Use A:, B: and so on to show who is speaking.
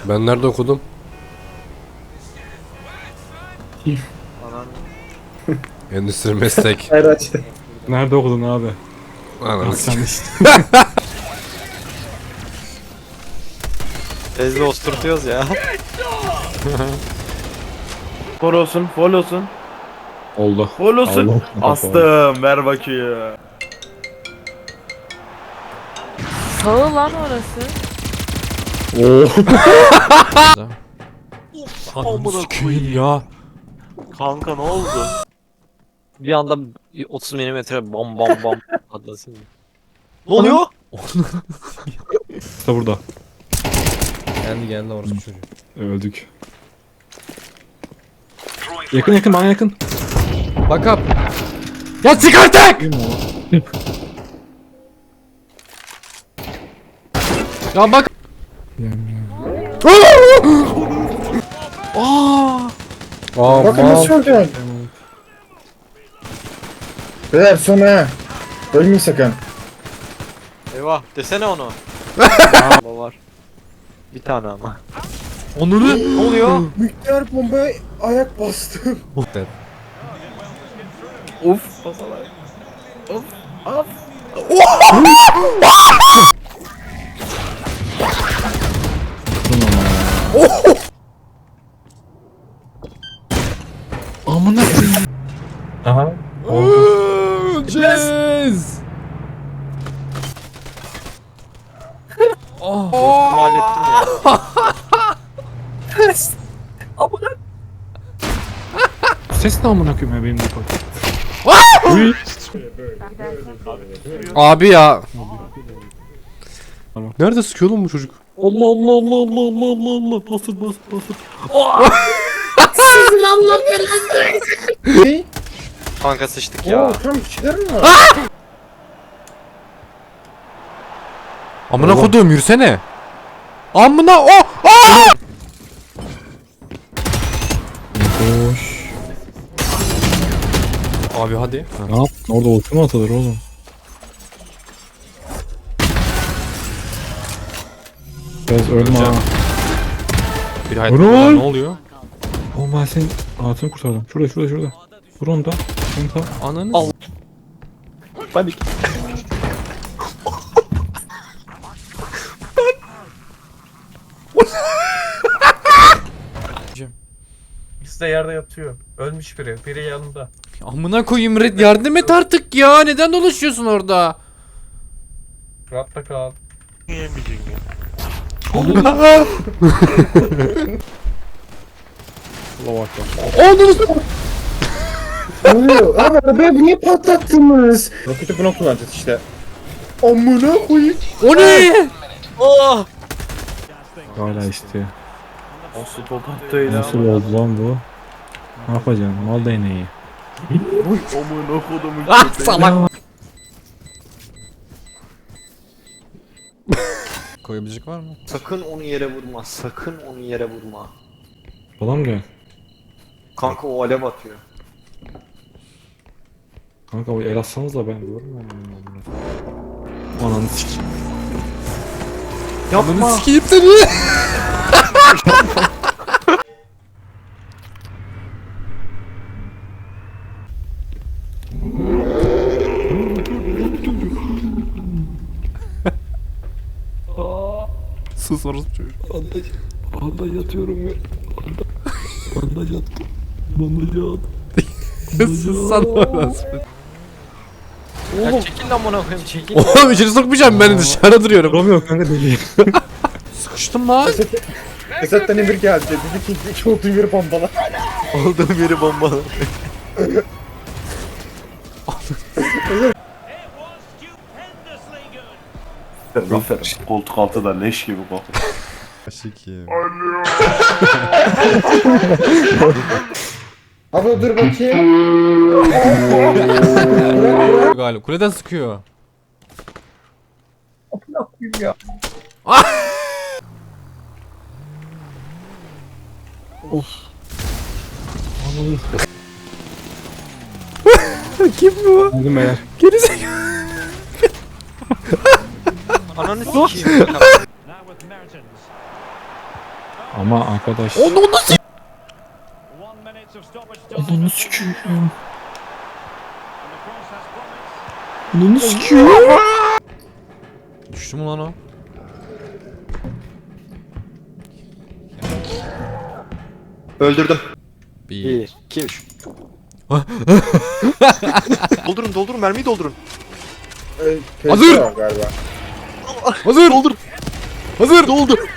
A: Ben nerede okudum?
B: Anan.
A: Endüstri meslek.
C: Hayır açtı.
D: Nerede okudun abi?
A: Ananı
D: Sen
A: s-
D: işte.
B: Bezle osturtuyoruz ya.
C: Fol olsun, fol olsun.
D: Oldu.
C: Fol olsun.
D: Allah.
C: Astım, ver bakayım.
E: Sağı lan orası.
A: Ananı sikeyim ya.
B: Kanka ne oldu? Bir anda 30 milimetre bam bam bam atlasın. Ne oluyor?
D: İşte burada.
A: Geldi orası çocuğu.
D: Öldük. Yakın yakın bana yakın.
A: Bak up. Ya çık artık! Ya bak.
C: Bakın nasıl öldün? Beyler sonra. Ölmeyin sakın.
B: Eyvah desene onu. Aa, var. Bir tane ama.
A: Onunu.
B: Ne oluyor?
C: Miktar bombaya ayak bastım. Of. Of. Of.
D: Amına koyayım. Aha.
A: Öleceğiz.
B: Hallettim ya.
D: Ses ne amına koyayım ya benim de bak.
A: Abi ya.
D: Tamam.
A: Nerede sıkıyor lan bu çocuk?
D: Allah Allah Allah Allah Allah Allah Allah. Basır basır basır.
C: Ne?
B: Kanka sıçtık
C: Oo,
B: ya.
C: tam kişiler mi var?
A: Amına koduğum yürüsene. Amına o.
D: Boş.
A: Abi hadi.
D: Ne yap? Orada ulti mi atılır oğlum? Biraz ölme ha.
A: Bir hayat
D: Vurul.
A: ne oluyor?
D: Oğlum ben senin hayatını kurtardım. Şurada şurada şurada. Vur onu da. Onu da.
A: Ananı.
B: Al.
D: Panik.
C: İkisi de yerde yatıyor. Ölmüş biri. Biri yanında.
A: Amına koyayım Red, yardım et artık ya. Neden dolaşıyorsun orada?
C: Rahatta kal.
D: Allah bak ya.
C: Ne oluyor? Abi arabayı niye patlattınız? Roketi buna kullanacağız işte. Amına koyayım.
A: O ne?
B: Oh!
D: Hala işte.
C: Nasıl tokattaydı
D: Nasıl oldu lan bu? Ne yapacaksın? Mal değneği.
C: Amına kodumun
A: Ah salak. Koyabilecek var mı?
B: Sakın onu yere vurma. Sakın onu yere vurma.
D: Falan gel.
B: Kanka o alev atıyor.
D: Kanka o el atsanız da ben görmüyorum. Ananı sikeyim.
A: Ananı sikeyim seni. Sus orası çocuk.
D: Bandaj yatıyorum ya. Bandaj yattım. Bandaj yattım.
A: Sus sana orası.
B: Ya çekil lan bana koyayım çekil.
A: Oğlum içeri sokmayacağım, ben dışarı duruyorum.
D: Duramıyor kanka deli.
A: Sıkıştım lan.
C: Esat'tan emir geldi. Dedi ki iki olduğu yeri bombala.
B: Olduğum yeri bombalı.
F: Zafer koltuk altı da leş gibi kokuyor.
A: Şekim.
C: Abi dur bakayım.
A: Galiba kuleden sıkıyor. Kim bu?
D: Aldım beyler.
A: Gerizekalı.
B: Ananı sikeyim.
D: Ama arkadaş.
A: Onu nasıl?
D: Onu sikiyim. Onu sikiyim.
A: Düştü mü lan o?
G: Öldürdüm.
A: 1.
B: 2 3.
G: Doldurun mermiyi doldurun.
A: Hazır!
C: Galiba.
A: Hazır. Hazır.
G: Doldur.